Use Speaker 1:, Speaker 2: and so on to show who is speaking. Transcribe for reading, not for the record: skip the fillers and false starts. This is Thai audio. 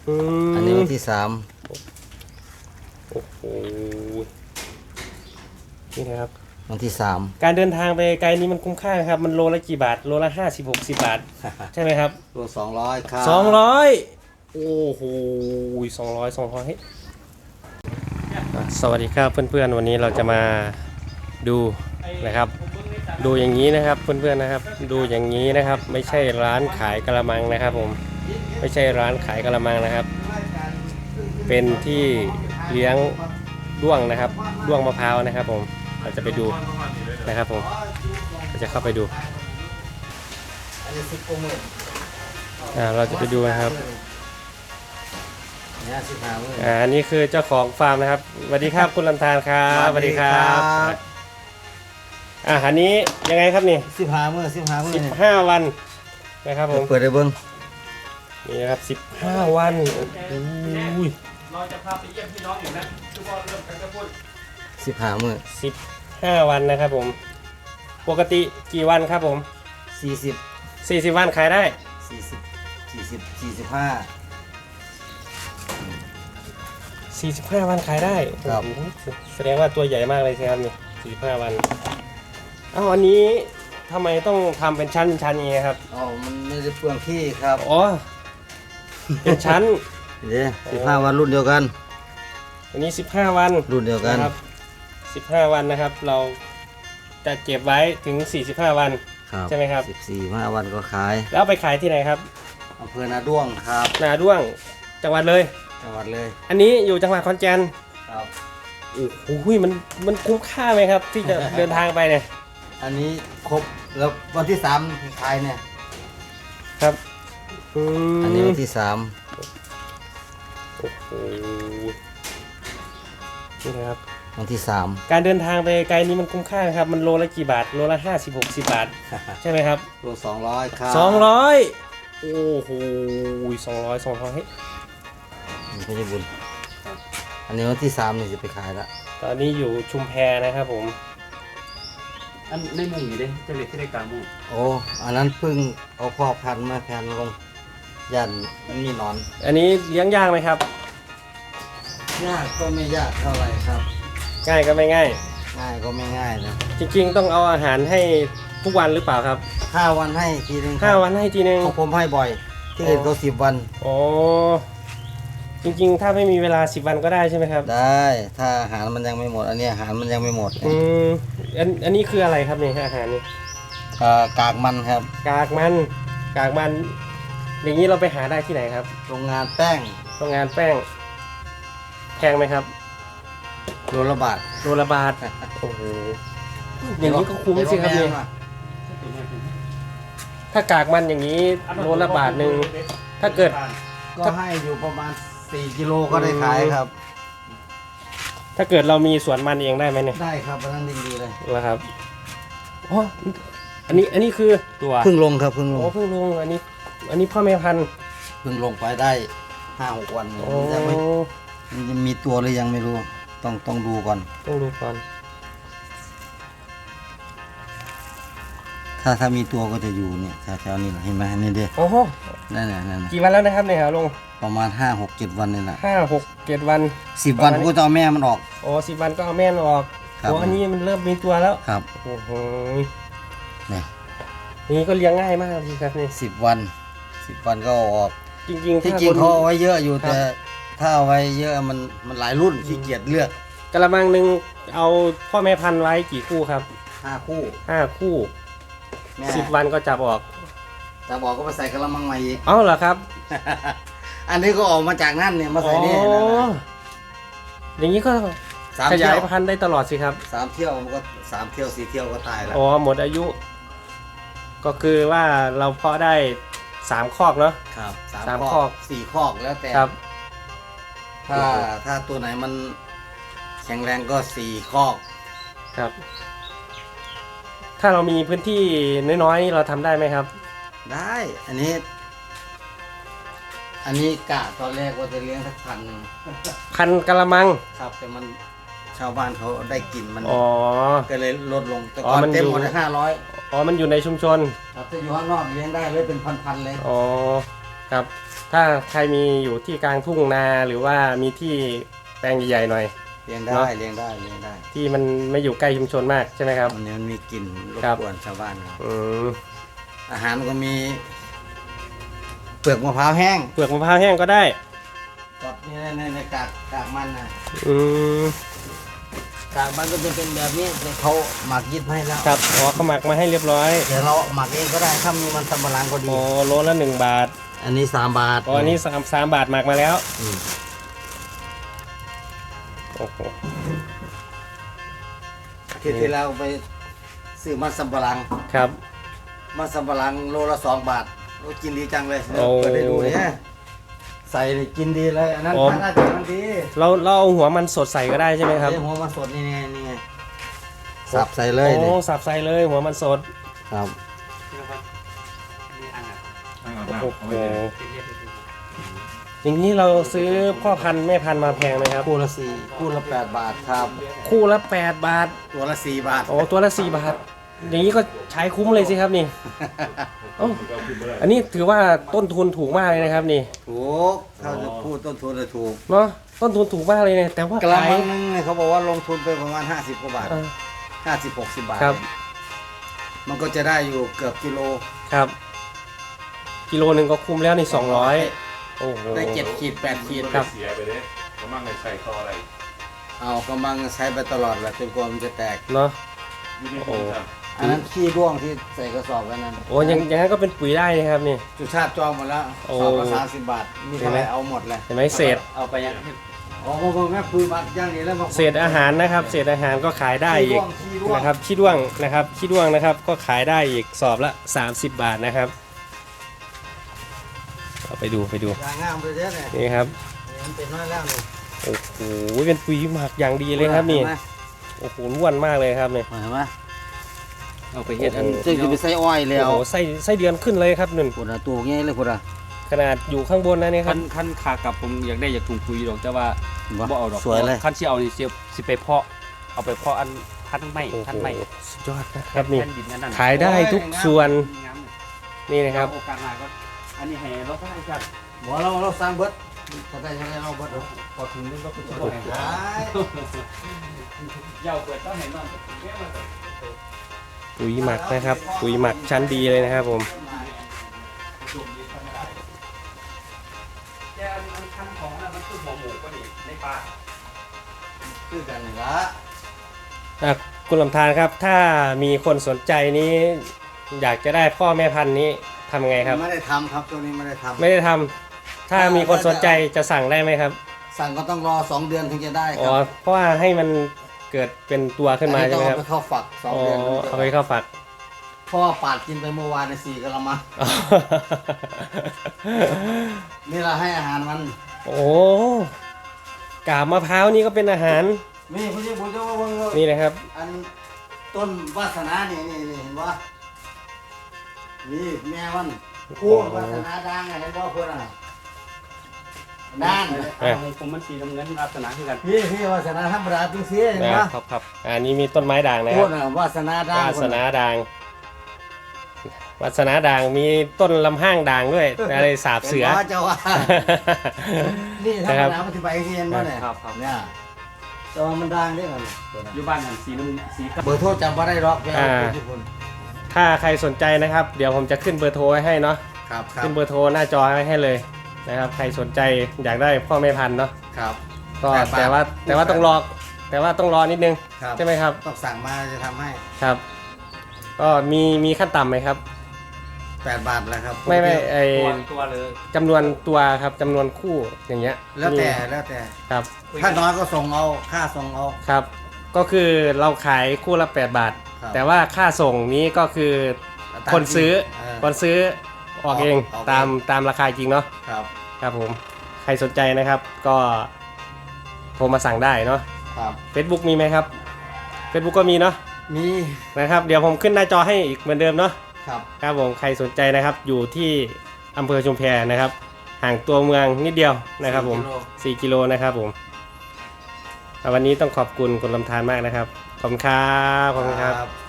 Speaker 1: อันนี้วันที่3
Speaker 2: โอ้โหนี่นะครับ
Speaker 1: วันที่3
Speaker 2: การเดินทางไปไกลนี้มันคุ้มค่าครับมันโลละกี่บาทโลละ50-60 บาทใช่ไหมครับ
Speaker 1: รวม200ครับ
Speaker 2: 200โอ้โห200สวัสดีครับเพื่อนๆวันนี้เราจะมาดูนะครับดูอย่างนี้นะครับเพื่อนๆนะครับดูอย่างนี้นะครับไม่ใช่ร้านขายกะละมังนะครับผมไม่ใช่ร้านขายกะละมังนะครับเป็นที่เลี้ยงด้วงนะครับด้วงมะพร้าวนะครับผมเราจะไปดูนะครับผมเราจะเข้าไปดูเราจะไปดูนะครับอันนี้คือเจ้าของฟาร์มนะครับสวัสดีครับคุณลำธารครับสวัสดีครับอันนี้ยังไงครับนี่
Speaker 1: 15 มื้อ
Speaker 2: 15 วันนะครับผม
Speaker 1: เปิดได้เบิ้ง
Speaker 2: นี่นะครับ15 วันอุ้ยเราจะพาไปเยี่ยมพี่น้องอยู่นะทุกคนเริ่มกันจะพูด
Speaker 1: 15 มื้อ
Speaker 2: 15 วันนะครับผมปกติกี่วันครับผม40 วันขายได้45 วันขายได้
Speaker 1: ครับ
Speaker 2: แสดงว่าตัวใหญ่มากเลยใช่ครับนี่45 วันอันนี้ทำไมต้องทำเป็นชั้นอย่างนี้ครับ
Speaker 1: มันไม่ได้เปลืองที่ครับ
Speaker 2: เป็นชั้น
Speaker 1: เนี่ย15 วันรุ่นเดียวกัน
Speaker 2: อันนี้15 วัน
Speaker 1: รุ่นเดียวกัน
Speaker 2: ครับ15 วันนะครับเราจะเก็บไว้ถึง45 วันใช่ไหมครับ
Speaker 1: 15 วันก็ขาย
Speaker 2: แล้วไปขายที่ไหนครับ
Speaker 1: อำเภอนาด้วงครับ
Speaker 2: นาด้วงจังหวัดเลยอันนี้อยู่จังหวัดขอนแก่น
Speaker 1: ครับ
Speaker 2: โอ้โหมันคุ้มค่าไหมครับที่จะเดินทางไปเนี่ย
Speaker 1: อันนี้ครบแล้ววันที่3ขายเนี่ย
Speaker 2: ครับ
Speaker 1: อันนี้วันที่3
Speaker 2: โอ้โหนี่นะครับ
Speaker 1: วันที่3
Speaker 2: การเดินทางไปไกลนี้มันคุ้มค่าครับมันโลละกี่บาทโลละ50-60 บาทใช่ไหมครับ
Speaker 1: รวม200ครับ
Speaker 2: 200โอ้โห200
Speaker 1: ไม่ใช่บุญอันนี้วันที่3นี่จะไปขายละ
Speaker 2: ตอนนี้อยู่ชุมแพนะครับผม
Speaker 3: อันในมุ้งนี่เด้จะเล็กที่ได้กลางมุ้ง
Speaker 1: อันนั้นเพิ่งเอาพ่อพันธุ์มาแผ่นลงยันมีนอน
Speaker 2: อันนี้เลี้ยงยากไหมครับ
Speaker 1: ยากก็ไม่ยากเท่าไหร่ครับ
Speaker 2: ง่ายก็ไม่ง่าย
Speaker 1: ก็ไม่ง่ายนะ
Speaker 2: จริงๆต้องเอาอาหารให้ทุกวันหรือเปล่าครับ
Speaker 1: 5 วันให้ทีนึง
Speaker 2: 5 วันให้ทีนึง
Speaker 1: ของผมให้บ่อยที่อื่นก็10 วัน
Speaker 2: จริงๆถ้าไม่มีเวลา10 วันก็ได้ใช่ไหมครับ
Speaker 1: ได้ถ้าอาหารมันยังไม่หมดอันนี้อาหารมันยังไม่หมด
Speaker 2: อันนี้คืออะไรครับนี่อาหารนี่
Speaker 1: กากมันครับ
Speaker 2: กากมันอย่างนี้เราไปหาได้ที่ไหนครับ
Speaker 1: โรงงานแป้ง
Speaker 2: แพงไหมครับ
Speaker 1: โลละบาท
Speaker 2: โอ้โหอย่างนี้ก็คุ้มสิครับเนี่ยถ้ากากมันอย่างนี้โลละบาทนึงถ้าเกิด
Speaker 1: ก็ให้อยู่ประมาณ4 กิโลก็ได้ขายครับ
Speaker 2: ถ้าเกิดเรามีสวนมันเองได้ไหมเนี่ย
Speaker 1: ได้ครับอันนั้นดีเลย
Speaker 2: แล้วครับอันนี้คือตัว
Speaker 1: เพิ่งลงครับเพิ่งลง
Speaker 2: อันนี้พ่อแม่พันธุ์
Speaker 1: เพิ่งลงไปได้ 5-6 วันมันจะมีตัวหรือยังไม่รู้ต้องดูก่อนถ้ามีตัวก็จะอยู่เนี่ยแถวๆนี้แหละเห็นไหมนี่เด้นั่น
Speaker 2: กี่วันแล้วนะครับเนี่ยครับลุง
Speaker 1: ประมาณ5-6-7 วันนี่แหละ
Speaker 2: 5-6-7 วัน
Speaker 1: 10 วันก็จะเอาแม่มันออก
Speaker 2: 10 วันก็เอาแม่มันออกอันนี้มันเริ่มมีตัวแล้ว
Speaker 1: ครับ
Speaker 2: โอ้โหนี่ก็เลี้ยงง่ายมากเลยครับนี่
Speaker 1: 10 วันก็ออก
Speaker 2: จริง
Speaker 1: เขาเอาไว้เยอะอยู่แต่ถ้าเอาไว้เยอะมันหลายรุ่นขี้เกียจเลือก
Speaker 2: กระมังหนึ่งเอาพ่อแม่พันธุ์ไว้กี่คู่ครับ
Speaker 1: 5 คู่
Speaker 2: 10 วันก็จับออก
Speaker 1: ก็มาใส่กระมังใหม่อีก
Speaker 2: เหรอครับ
Speaker 1: อันนี้ก็ออกมาจากนั่นเนี่ยมาใส่นี่
Speaker 2: อย่างนี้ก็ขยายพันธุ์ได้ตลอดสิครับ
Speaker 1: 3 เที่ยวมันก็3 เที่ยว 4 เที่ยวก็ตายแล้ว
Speaker 2: หมดอายุก็คือว่าเราเพาะได้3 คอกเนาะ
Speaker 1: ครับ3 คอก4 คอกแล้วแต่
Speaker 2: ครับ
Speaker 1: ถ้าตัวไหนมันแข็งแรงก็4 คอก
Speaker 2: ครับถ้าเรามีพื้นที่น้อยๆเราทำได้ไหมครับ
Speaker 1: ได้อันนี้กะตอนแรกว่าจะเลี้ยงสัก
Speaker 2: พันกะละมัง
Speaker 1: ครับแต่มันชาวบ้านเขาได้กลิ่นมันก็เลยลดลงแต่ก่อนเต็มหมด500
Speaker 2: มันอยู่ในชุมชน
Speaker 1: ครับถ้าอยู่ข้างนอกเลี้ยงได้เลยเป็นพันๆเลย
Speaker 2: ครับถ้าใครมีอยู่ที่กลางทุ่งนาหรือว่ามีที่แปลงใหญ่ๆหน่อย
Speaker 1: เลี้ยง
Speaker 2: เน
Speaker 1: ได้
Speaker 2: อะ
Speaker 1: เลี้ยงได้เลี้ยงได้
Speaker 2: ที่มันไม่อยู่ใกล้ชุมชนมากใช่ไหมครับ
Speaker 1: วันนี้มันมีกลิ่นรบ
Speaker 2: ครับ
Speaker 1: กวนชาวบ้านครับ
Speaker 2: อืม
Speaker 1: อาหารก็มีเปลือกมะพร้าวแห้ง
Speaker 2: เปลือกมะพร้าวแห้งก็ได้
Speaker 1: กับนี่ในกากมันนะ
Speaker 2: อืม
Speaker 1: กากมันก็จะเป็นแบบนี้แต่เขาหมักยึดให้แล้ว
Speaker 2: ครับอ๋อเขาหมักมาให้เรียบร้อย
Speaker 1: เดี๋ยวเราหมักเองก็ได้ถ้ามีมันสำปะหลังก็ดี
Speaker 2: โอ้โลละ1 บาท
Speaker 1: อันนี้3 บาท
Speaker 2: อ๋ออันนี้3 บาทหมักมาแล้ว
Speaker 1: อืม
Speaker 2: โอ้โห
Speaker 1: ที่เราไปซื้อมันสำปะหลัง
Speaker 2: ครับ
Speaker 1: มันสำปะหลังโลละ2 บาทโอ้กินดีจังเลย
Speaker 2: โอ้
Speaker 1: เปิดให้ดูเนี่ยใส่นี่กินดีเลยอันนั้น
Speaker 2: โอ้
Speaker 1: น่าจะมันดี
Speaker 2: เราเอาหัวมันสดใส่ก็ได้ใช่ไหมครับ
Speaker 1: เดี๋ยวหัวมันสดนี่ไงนี่ไงสับใส่เลย
Speaker 2: โอ้
Speaker 1: นี่
Speaker 2: สับใส่เลยหัวมันสด
Speaker 1: ครับ
Speaker 3: นี่อันอ่ะ
Speaker 2: โอ้โหอย่างนี้เราซื้อพ่อพันธุ์แม่พันธุ์มาแพงไหมครับ
Speaker 1: คู่ละ8 บาทครับ
Speaker 2: คู่ละ8 บาท
Speaker 1: ตัวละ4 บาท
Speaker 2: โอ้ตัวละ4 บาท อย่างนี้ก็ใช้คุ้มเลยสิครับนี่เอ้าอันนี้ถือว่าต้นทุนถูกมากเลยนะครับนี่
Speaker 1: ถูกเขาจะพูดต้นทุนเลยถูก
Speaker 2: เนาะต้นทุนถูกมากเลยเนี่ยแต่ว่าก
Speaker 1: ระ
Speaker 2: ขาย
Speaker 1: มังนึงเนี่ยเขาบอกว่าลงทุนไปประมาณ50 กว่าบาท
Speaker 2: เออ
Speaker 1: 50-60 บาท
Speaker 2: ครับ
Speaker 1: มันก็จะได้อยู่เกือบกิโล
Speaker 2: ครับกิโลหนึ่งก็คุ้มแล้วนี่200โอ้โห
Speaker 1: ได้7 ขีด 8 ขีด
Speaker 2: ครับ
Speaker 4: เสียไปเลยกำลังในใส่ต่ออะไร
Speaker 1: เอากำลังใช้ไปตลอดแหละจนกว่ามันจะแตก
Speaker 2: เนาะ
Speaker 4: อยู่ในถุงครับ
Speaker 1: อันนั้นขี้ร่วงที่ใส่กระสอบไว้นั้น
Speaker 2: โอ้ยังงั้นก็เป็นปุ๋ยได้นะครับนี่
Speaker 1: จุชาติจองหมดแล้ว
Speaker 2: โอ้
Speaker 1: สอบละ30 บาท มีเท่าไหร่เอาหมดเลย
Speaker 2: เห็นไหมเศษ
Speaker 3: เอาไปยัง
Speaker 1: อ๋อพวกแม่ปุ๋ยบัตรย่างนี้แล้วมา
Speaker 2: เศษอาหารนะครับ เศษอาหารก็ขายได้อีก
Speaker 1: ขี้ร่วง
Speaker 2: นะครับขี้ด้วงนะครับขี้ด้วงนะครับก็ขายได้อีกสอบละ30 บาทนะครับเอาไปดู
Speaker 1: ยางงามไปเยอะเนี่ย
Speaker 2: นี่ครับ
Speaker 1: มันเป็นน้อยแล้วนี่
Speaker 2: โอ้โหเป็นปุ๋ยหมักอย่างดีเลยครับนี่
Speaker 1: เห็นไหม
Speaker 2: โอ้โหล้วนมากเลยครับนี่
Speaker 1: เห็นไหม
Speaker 3: เอาไปเฮ็ดอัน
Speaker 2: โอ้โห
Speaker 1: เจ๊คือไปใส่อ้อยแล้
Speaker 2: โอ้
Speaker 1: ว
Speaker 2: โหไส้เดือนขึ้นเลยครับนุ่น
Speaker 1: ปวดตัวง่ายเลยปวดอ่ะ
Speaker 2: ขนาดอยู่ข้างบนนะนี่ค
Speaker 3: คั
Speaker 2: รับ
Speaker 3: นคันขากลับผมอยากได้อยากถุงปุ๋ยดอกแต่ว่าบ่เอาดอก
Speaker 1: สวยเลย
Speaker 3: คันที่เอานี่สิไปเพาะเอาไปเพาะอันพันธุ์ไม้
Speaker 2: โอ้โห
Speaker 3: พันธุ์ไม้
Speaker 2: สุดยอดนะครับนี่
Speaker 3: แผ่ดิอันนั้น
Speaker 2: ขายได้ทุกส่วน
Speaker 3: งามเลย
Speaker 2: นี่นะครับ
Speaker 3: โอกาสหน้าก็อันนี้ให้เราทั้งกัน
Speaker 1: บอกเราสร้างเบิร์ดถ้าได้เราเบิร์ด
Speaker 3: พอถึงนึงก็เป็น
Speaker 1: โอ้ยหาย
Speaker 3: ยาวเปิดต้องเห็นนอน
Speaker 2: ปุ๋ยหมักนะครับ ปุ๋ยหมักชั้นดีเลยนะครับผม
Speaker 3: แกอันคันของนั้นมันคือหัวหมูก็ดีในป่า
Speaker 1: คือกันนี่ละ
Speaker 2: อ่ะคุณลำธารครับ ถ้ามีคนสนใจนี้ อยากจะได้พ่อแม่พันธุ์นี้ทำไงครับ
Speaker 1: ไม่ได้ทำครับตัวนี้ไม่ได้ทำ
Speaker 2: ไม่ได้ทำถ้ามีคนสนใจจะสั่งได้ไหมครับ
Speaker 1: สั่งก็ต้องรอ2 เดือนถึงจะได้ค
Speaker 2: อ๋อ
Speaker 1: รับ
Speaker 2: เพราะว่าให้มันเกิดเป็นตัวขึ้นมา
Speaker 1: อั
Speaker 2: ใช่ไหม
Speaker 1: ต้
Speaker 2: ค
Speaker 1: อ
Speaker 2: รับ
Speaker 1: งเอาไปเข้าฝัก2
Speaker 2: อ๋อ
Speaker 1: เดือนถึงจะ
Speaker 2: เอาไปเข้าฝัก
Speaker 1: เพราะว่าปาดกินไปเมื่อวานใน4 กะละมังนี่เราให้อาหารมัน
Speaker 2: โอ้กาบมะพร้าวนี่ก็เป็นอาหาร
Speaker 1: นี่คุณที่ผมจะว่า
Speaker 2: นี่นะครับ
Speaker 1: อันต้นวาสนานี่เห็นว่านี่แม่มันคู่วาสนาดังเห็นว่าเพื่อนอ่ะด้าน
Speaker 3: ของผมมันสีน้ำเงินลักษณะคือกัน
Speaker 1: พี่วาสนาธรรมดาเป็นเสียเห็นปะ
Speaker 3: ครับ
Speaker 2: อันนี้มีต้นไม้ด่างนะค
Speaker 1: พู
Speaker 2: รั
Speaker 1: ด
Speaker 2: บ
Speaker 1: อ่ะวาสนาดัง
Speaker 2: วาสนาด่างวาสนาด่างมีต้นลำห้างด่างด้วยอะไรสาบเสือ
Speaker 1: ห็นว่าเจ้าว่านี่ธรร
Speaker 2: นะครับ
Speaker 1: มดาปฏิบัติเห็นว่าเนี่ย
Speaker 3: ครับ
Speaker 1: เนี่ยแต่ว่ามันดังได้กัน
Speaker 3: อยู่บ้านนั่นสีน้ำสี
Speaker 1: เบอร์โทรจำว่าได้หรอกแกเอาทุกคน
Speaker 2: ถ้าใครสนใจนะครับ เดี๋ยวผมจะขึ้นเบอร์โทรไว้ให้เนาะ
Speaker 1: ครับครับ
Speaker 2: ขึ้นเบอร์โทรหน้าจอไว้ให้เลยนะครับใครสนใจอยากได้พ่อแม่พันธุ์เนาะ
Speaker 1: ครับ
Speaker 2: ก็
Speaker 1: 8 บาท
Speaker 2: แต่ว่าต้องรอนิดนึง
Speaker 1: ครับ
Speaker 2: ใช่ไหมครับ
Speaker 1: ต้องสั่งมาจะทำให้
Speaker 2: ครับ ก็มีขั้นต่ำไหมครับ
Speaker 1: 8 บาทแล้วครับ
Speaker 2: ไม่ไอ
Speaker 3: ตัวเลย
Speaker 2: จำนวนตัวครับจำนวนคู่อย่างเงี้ย
Speaker 1: แล้วแต่
Speaker 2: มี
Speaker 1: แล้วแต่
Speaker 2: ครับ
Speaker 1: ถ้าน้อยก็ส่งเอาค่าส่งเอา
Speaker 2: ครับ ก็คือเราขายคู่ละ8 บาท
Speaker 1: ครับ
Speaker 2: แต่ว่าค่าส่งนี้ก็คือคนซื้อ
Speaker 1: เ
Speaker 2: คนซื้อออกเอง
Speaker 1: ออกเอง
Speaker 2: ตามราคาจริงเนาะ
Speaker 1: ครับ
Speaker 2: ครับผมใครสนใจนะครับก็โทรมาสั่งได้เนาะ
Speaker 1: ครับ
Speaker 2: Facebook มีไหมครับ Facebook ก็มีเนาะ
Speaker 1: มี
Speaker 2: นะครับเดี๋ยวผมขึ้นหน้าจอให้อีกเหมือนเดิมเนาะ
Speaker 1: ครับ
Speaker 2: ครับผมใครสนใจนะครับอยู่ที่อำเภอชุมแพนะครับห่างตัวเมืองนิดเดียวนะครับผม4 กิโลนะครับผมวันนี้ต้องขอบคุณคุณลำธารมากนะครับขอบคุณครับขอบคุณครับ
Speaker 1: ครับ